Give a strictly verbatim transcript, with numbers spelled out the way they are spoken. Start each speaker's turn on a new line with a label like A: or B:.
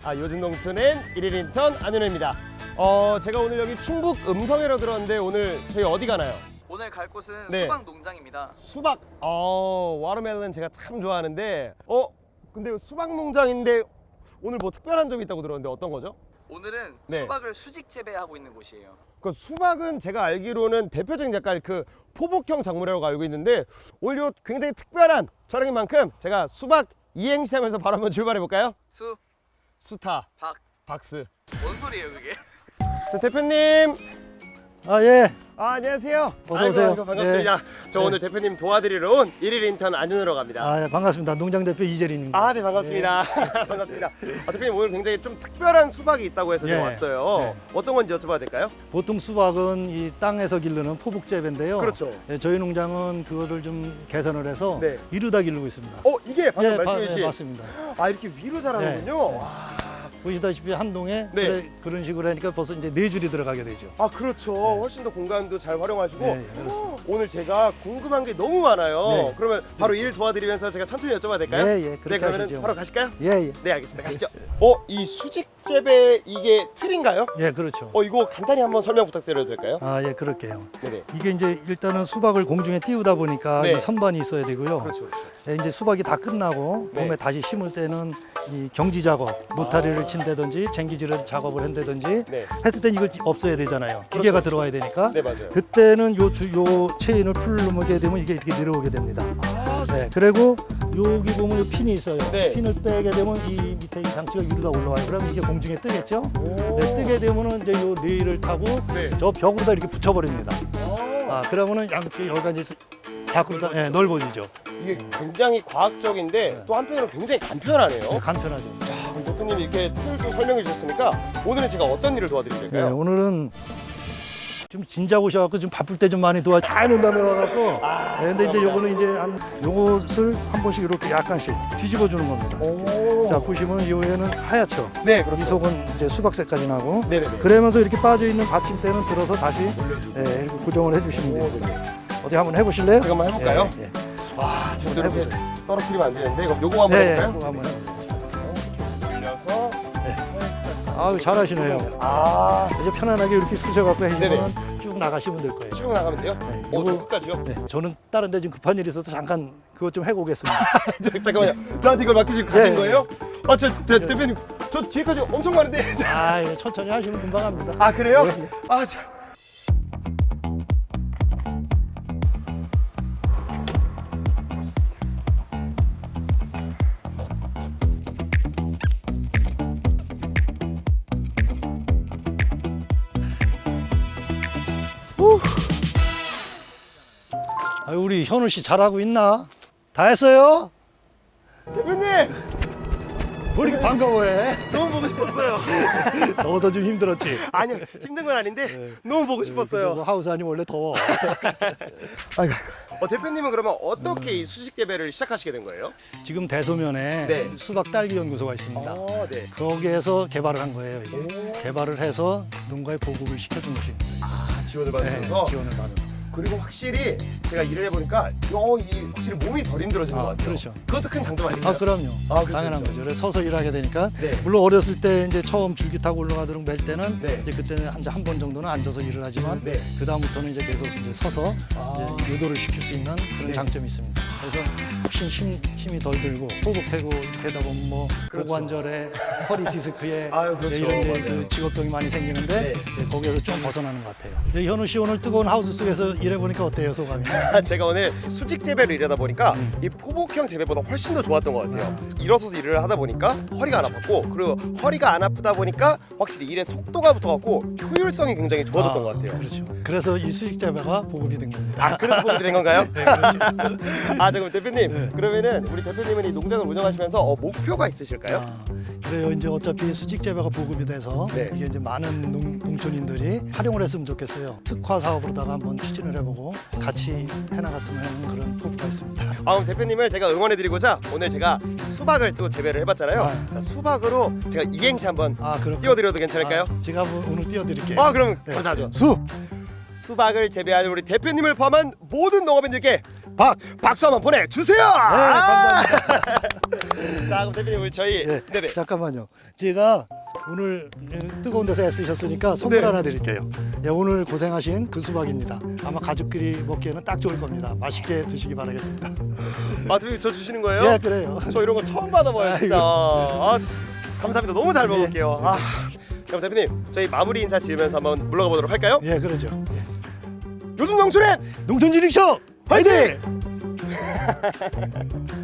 A: 아, 요즘 농촌엔 일일 인턴 안윤호입니다. 어, 제가 오늘 여기 충북 음성에로 들었는데 오늘 저희 어디 가나요?
B: 오늘 갈 곳은
A: 네.
B: 수박 농장입니다.
A: 수박. 어, 와터멜론 제가 참 좋아하는데. 어, 근데 수박 농장인데 오늘 뭐 특별한 점이 있다고 들었는데 어떤 거죠?
B: 오늘은
A: 네.
B: 수박을 수직 재배하고 있는 곳이에요.
A: 그 수박은 제가 알기로는 대표적인 약간 그 포복형 작물이라고 알고 있는데 오늘 요 굉장히 특별한 촬영인 만큼 제가 수박 이행시 하면서 바로 한번 출발해 볼까요?
B: 수,
A: 수타,
B: 박,
A: 박스.
B: 뭔 소리예요 그게?
A: 저 대표님.
C: 아, 예.
A: 아, 안녕하세요.
C: 어서
A: 아이고,
C: 오세요.
A: 아이고, 반갑습니다. 저
C: 네.
A: 오늘 대표님 도와드리러 온 일일 인턴 안윤호로 갑니다.
C: 아, 예, 반갑습니다. 농장 대표 이재린입니다.
A: 아, 네, 반갑습니다. 반갑습니다. 아, 대표님 오늘 굉장히 좀 특별한 수박이 있다고 해서 제가
C: 예.
A: 왔어요.
C: 네.
A: 어떤 건지 여쭤봐도 될까요?
C: 보통 수박은 이 땅에서 기르는 포복 재배인데요.
A: 그렇죠.
C: 예, 저희 농장은 그거를 좀 개선을 해서
A: 네.
C: 이루다 기르고 있습니다.
A: 어, 이게 방금
C: 예, 바-
A: 말씀해
C: 예,
A: 주신
C: 맞습니다.
A: 아, 이렇게 위로 자라는군요.
C: 네, 네.
A: 와.
C: 보시다시피 한 동에
A: 네.
C: 그래, 그런 식으로 하니까 벌써 이제 네 줄이 들어가게 되죠.
A: 아, 그렇죠. 훨씬 더 공간도 잘 활용하시고
C: 네, 그렇습니다.
A: 오늘 제가 궁금한 게 너무 많아요.
C: 네.
A: 그러면 바로 일 도와드리면서 제가 천천히 여쭤봐도 될까요?
C: 예, 예,
A: 네,
C: 그렇게
A: 그러면
C: 하시죠.
A: 바로 가실까요?
C: 예, 예.
A: 네, 알겠습니다. 가시죠. 어, 이 수직 재배 이게 틀인가요?
C: 예, 그렇죠.
A: 어, 이거 간단히 한번 설명 부탁드려도 될까요?
C: 아, 예, 그렇게요.
A: 네네.
C: 이게 이제 일단은 수박을 공중에 띄우다 보니까
A: 네.
C: 이 선반이 있어야 되고요.
A: 그렇죠, 그렇죠.
C: 예, 이제 수박이 다 끝나고
A: 네.
C: 봄에 다시 심을 때는 이 경지 작업, 노타리를 친다든지 쟁기질을 작업을 한다든지
A: 네.
C: 했을 땐 이걸 없애야 되잖아요. 기계가 들어와야 되니까.
A: 네, 맞아요.
C: 그때는 요, 주, 요 체인을 풀 누르게 되면 이게 이렇게 내려오게 됩니다.
A: 아,
C: 네, 그리고 여기 보면 요 핀이 있어요.
A: 네.
C: 핀을 빼게 되면 이 밑에 이 장치가 위로 다 올라와요. 그러면 이게 공중에 뜨겠죠?
A: 오.
C: 네, 뜨게 되면은 이제 요 레일을 타고
A: 네.
C: 저 벽으로다 이렇게 붙여버립니다.
A: 아,
C: 아, 그러면은 양쪽 여기가 이제 밖으로 다 예, 넓어지죠.
A: 이게 굉장히 과학적인데
C: 네.
A: 또 한편으로 굉장히 간편하네요.
C: 간편하죠.
A: 자, 그럼 대표님 이렇게 툴도 설명해 주셨으니까 오늘은 제가 어떤 일을 도와드리면
C: 네,
A: 될까요?
C: 오늘은 좀 진작 오셔갖고 좀 바쁠 때 좀 많이 도와 잘 논다며 와갖고.
A: 아,
C: 네, 근데 이제
A: 감사합니다.
C: 요거는 이제 한 요것을 한 번씩 이렇게 약간씩 뒤집어 주는 겁니다.
A: 오.
C: 자, 보시면 요에는 하얗죠.
A: 네,
C: 이
A: 그렇죠.
C: 속은 이제 수박색까지 나고.
A: 네네네.
C: 그러면서 이렇게 빠져 있는 받침대는 들어서 다시 예, 이렇게 고정을 해주시면
A: 오,
C: 됩니다.
A: 네네.
C: 어디 한번 해보실래요?
A: 제가 한번 해볼까요?
C: 예, 예.
A: 와, 제가
C: 해보세요.
A: 이렇게 떨어뜨리면 안 되는데 그럼 요거 한번
C: 네, 예,
A: 해볼까요?
C: 그거 한번 해보세요.
A: 올려서
C: 아유, 잘하시네요.
A: 아,
C: 이제 편안하게 이렇게 쓰셔갖고
A: 네네.
C: 해주면 쭉 나가시면 될 거예요.
A: 쭉 나가면 돼요?
C: 네,
A: 오, 저
C: 요거-
A: 끝까지요?
C: 네, 저는 다른 데 좀 급한 일이 있어서 잠깐 그것 좀 해보겠습니다.
A: 잠깐만요. 저한테 이걸 맡기시고 가신
C: 네.
A: 거예요? 아, 저, 저 대표님, 저 뒤에까지 엄청 많은데.
C: 아, 예, 천천히 하시면 금방 합니다.
A: 아, 그래요?
C: 네, 네.
A: 아, 자.
C: 아, 우리 현우 씨 잘하고 있나? 다 했어요?
A: 대표님,
C: 왜 이렇게 반가워해?
A: 너무 보고 싶었어요.
C: 더워서 좀 힘들었지?
A: 아니요, 힘든 건 아닌데 너무 보고
C: 뭐
A: 싶었어요.
C: 하우스 아니면 원래 더워.
A: 아이고. 어, 대표님은 그러면 어떻게 이 수직 재배를 시작하시게 된 거예요?
C: 지금 대소면에
A: 네.
C: 수박 딸기 연구소가 있습니다.
A: 아, 네.
C: 거기에서 개발을 한 거예요. 이게.
A: 오.
C: 개발을 해서 농가에 보급을 시켜준 것입니다.
A: 아, 지원을
C: 네,
A: 받으셔서.
C: 지원을 받아서.
A: 그리고 확실히 제가 일을 해보니까 어, 이 확실히 몸이 덜 힘들어진
C: 아,
A: 것 같아요.
C: 그렇죠.
A: 그것도 큰 장점 아닌가요?
C: 아, 그럼요.
A: 아, 그렇죠,
C: 당연한
A: 그렇죠.
C: 거죠. 그래서 서서 일하게 되니까.
A: 네.
C: 물론 어렸을 때 이제 처음 줄기 타고 올라가도록 맬 때는
A: 네.
C: 이제 그때는 한 한 번 정도는 앉아서 일을 하지만
A: 네.
C: 그 다음부터는 이제 계속 이제 서서
A: 아.
C: 이제 유도를 시킬 수 있는 그런
A: 네.
C: 장점이 있습니다. 그래서 훨씬 힘, 힘이 덜 들고 호흡하고 이렇게 하다 보면 뭐
A: 그렇죠.
C: 고관절에 허리 디스크에
A: 아유, 그렇죠.
C: 네, 이런 이제
A: 맞아요.
C: 그 직업병이 많이 생기는데
A: 네.
C: 네, 거기에서 좀 벗어나는 것 같아요. 네, 현우 씨 오늘 뜨거운 하우스 속에서 일해보니까 어때요, 소감이?
A: 제가 오늘 수직 재배를 일하다 보니까
C: 음.
A: 이 포복형 재배보다 훨씬 더 좋았던 것 같아요. 일어서서 일을 하다 보니까 허리가 안 아팠고 그리고 허리가 안 아프다 보니까 확실히 일의 속도가 붙어갖고 효율성이 굉장히 좋아졌던
C: 아,
A: 것 같아요.
C: 그렇죠. 그래서 이 수직 재배가 보급이 된 겁니다.
A: 아, 그래서 보급이 된 건가요?
C: 네, 그렇죠.
A: 아, 잠깐 대표님.
C: 네.
A: 그러면은 우리 대표님은 이 농장을 운영하시면서 어, 목표가 있으실까요?
C: 아, 그래요. 이제 어차피 수직 재배가 보급이 돼서
A: 네.
C: 이게 이제 많은 농, 농촌인들이 활용을 했으면 좋겠어요. 특화 사업으로다가 한번 추진을 해보고 같이 해나갔으면 하는 그런 포부가 있습니다.
A: 아, 그럼 대표님을 제가 응원해드리고자 오늘 제가 수박을 또 재배를 해봤잖아요.
C: 아.
A: 자, 수박으로 제가 이행시 한번
C: 아, 그럼
A: 띄워드려도 괜찮을까요?
C: 아, 제가 한번 오늘 띄워드릴게요.
A: 아, 그럼
C: 네.
A: 감사하죠.
C: 수
A: 수박을 재배하는 우리 대표님을 포함한 모든 농업인들께 박 박수 한번 보내주세요.
C: 네, 감사합니다.
A: 자 그럼 대표님 우리 저희
C: 네,
A: 네네.
C: 잠깐만요. 제가 오늘 뜨거운 데서 애쓰셨으니까 선물
A: 네.
C: 하나 드릴게요. 예, 오늘 고생하신 그 수박입니다. 아마 가족끼리 먹기에는 딱 좋을 겁니다. 맛있게 드시기 바라겠습니다.
A: 아 대표님 저 주시는 거예요?
C: 예, 그래요.
A: 저 이런 거 처음 받아봐요 진짜. 아, 감사합니다. 너무 잘
C: 네.
A: 먹을게요. 아, 그럼 대표님 저희 마무리 인사 지으면서 한번 물러가 보도록 할까요?
C: 예, 그러죠.
A: 요즘 농촌의
C: 농촌진흥쇼 화이팅!